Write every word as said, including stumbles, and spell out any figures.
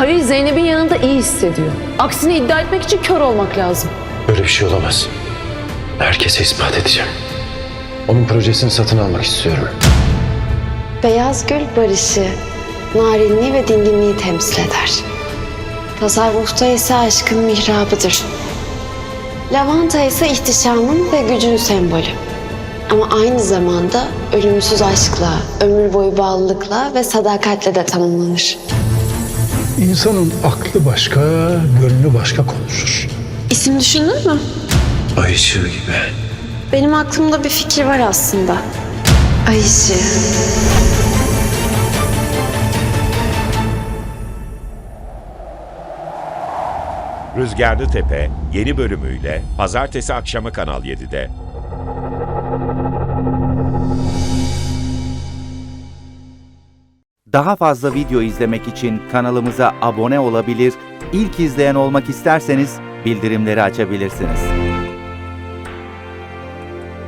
Halil Zeynep'in yanında iyi hissediyor. Aksini iddia etmek için kör olmak lazım. Böyle bir şey olamaz. Herkese ispat edeceğim. Onun projesini satın almak istiyorum. Beyaz gül barışı, narinliği ve dinginliği temsil eder. Tasavvufta ise aşkın mihrabıdır. Lavanta ise ihtişamın ve gücün sembolü. Ama aynı zamanda ölümsüz aşkla, ömür boyu bağlılıkla ve sadakatle de tanımlanır. İnsanın aklı başka, gönlü başka konuşur. İsim düşündün mü? Ay ışığı gibi. Benim aklımda bir fikir var aslında. Ay ışığı. Rüzgarlı Tepe yeni bölümüyle pazartesi akşamı Kanal yedide. Daha fazla video izlemek için kanalımıza abone olabilir, ilk izleyen olmak isterseniz bildirimleri açabilirsiniz.